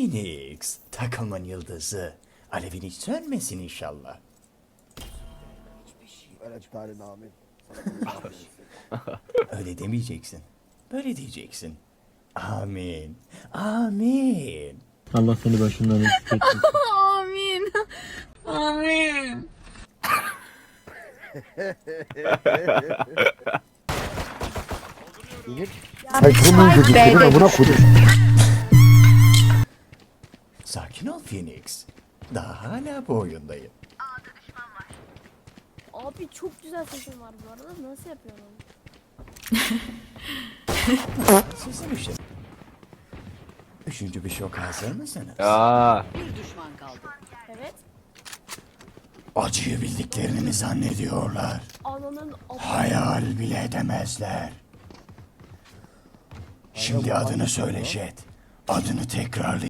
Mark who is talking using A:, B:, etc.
A: Phoenix, takımın yıldızı. Alevin hiç sönmesin inşallah.
B: Evet Talin amin.
A: Öyle demeyeceksin. Böyle diyeceksin. Amin. Amin.
C: Allah seni başından eksik etmesin.
D: Amin. Amin.
B: Ay bunun dedi seni buna koydum.
A: Sakin ol Phoenix. Daha hala bu oyundayım.
E: Abi çok güzel sesin var bu arada. Nasıl yapıyorsun onu?
A: Sizin işin. Üçüncü bir şok hazır mısınız?
E: Evet.
A: Acıyı bildiklerini mi zannediyorlar?
E: Ananın
A: Hayal bile edemezler. Şimdi adını söyle Jet. Adını tekrarlayın.